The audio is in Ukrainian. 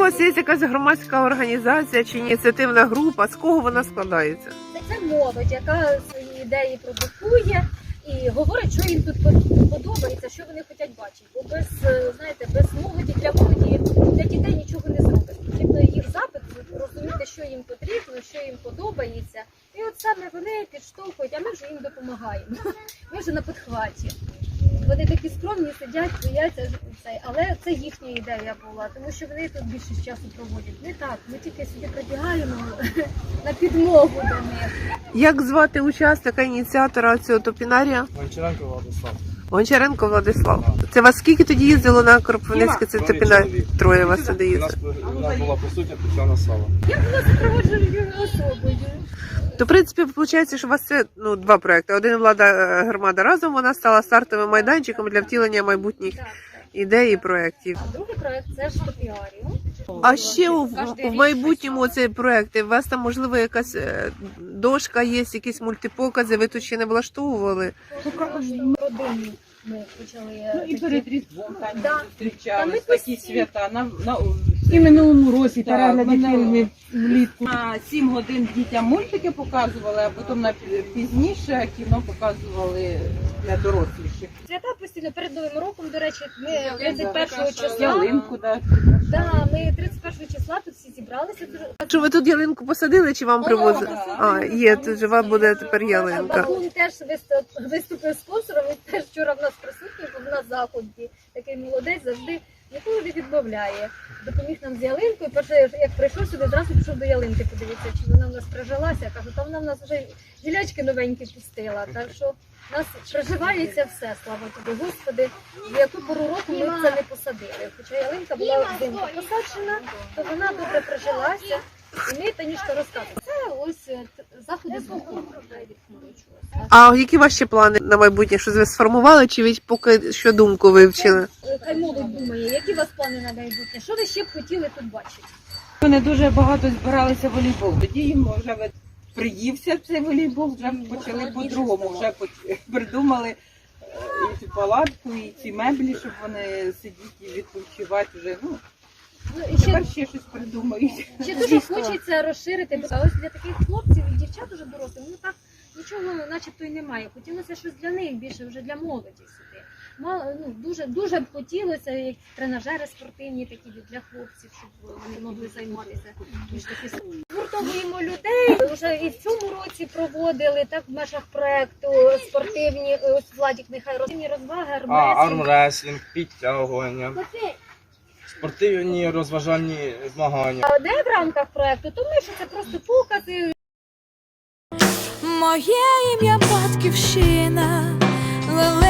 вас є якась громадська організація чи ініціативна група? З кого вона складається? Це молодь, яка свої ідеї продукує і говорить, що їм тут подобається, що вони хочуть бачити. Бо без молоді, для дітей нічого не зробиш. Потрібно їх запит, розуміти, що їм потрібно, що їм подобається. І от саме вони підштовхують, а ми вже їм допомагаємо. Ми вже на підхваті. Вони такі скромні, сидять, бояться, але це їхня ідея була, тому що вони тут більше часу проводять. Не так, ми тільки сюди прибігаємо на підмогу до них. Як звати учасника, ініціатора цього топінарія? Гончаренко Владислав. Гончаренко Владислав. Це вас скільки тоді їздило на Кропивницьке це топінарій? Троє вас сюди їздили. У нас була присутня Тетяна Сава. Я була супроводженою особою. То, в принципі, виходить, що у вас це два проекти. Один «Влада громада разом», вона стала стартовим майданчиком для втілення майбутніх ідей і проєктів. А другий проект – це ж топіаріум. А ще в майбутньому цей проєкт, у вас там, можливо, якась дошка є, якісь мультипокази, ви тут ще не влаштовували? Родині ми почали. І перед Різдвом там зустрічались Та ми такі свята. І минулому році Так, перегляди мене- фільмів влітку. На 7 годин дітям мультики показували, а потім пізніше кіно показували для доросліших. Свята постійно перед Новим роком, до речі, ми 31 числа. Ялинку, да. Да, ми 31 числа тут всі зібралися. Що ви тут ялинку посадили чи вам привозили? А, є, тут жива буде тепер ялинка. Бабун теж виступив спонсором, він теж вчора в нас присутній, був на заході. Такий молодець, завжди ніколи не відмовляє. Допоміг нам з ялинкою. Перше, як прийшов сюди, зразу пішов до ялинки подивитися, чи вона в нас прижилася. Я кажу, та вона в нас вже гілячки новенькі пустила. Так що в нас приживається все, слава тобі, Господи. В яку пору року ми це не посадили. Хоча ялинка була взимку посаджена, то вона добре прижилася. І ми Танюшка розказує. Це ось заходи з культури. А які ваші плани на майбутнє? Щось ви сформували, чи ви поки що думку вивчили? Хай молодь думає, які у вас плани на майбутнє? Що ви ще б хотіли тут бачити? Вони дуже багато збиралися в волейбол. Тоді їм вже приївся цей волейбол, вже почали по-другому, вже придумали і цю палатку, і ці меблі, щоб вони сидіти і відпочивати вже. І ще, Тепер ще щось придумають. ще дуже хочеться розширити. А ось для таких хлопців і дівчат уже дорослих, так нічого начебто й немає. Хотілося щось для них більше, вже для молоді сюди. Дуже б хотілося, як тренажери спортивні такі для хлопців, щоб вони могли займатися. Гуртовуємо людей. Вже і в цьому році проводили так в межах проекту спортивні, ось Владик нехай спортивні розваги, Армресінг, підтягування, спортивні розважальні змагання. А де в рамках проекту? То ми що це просто покази. Моє ім'я Батьківщина.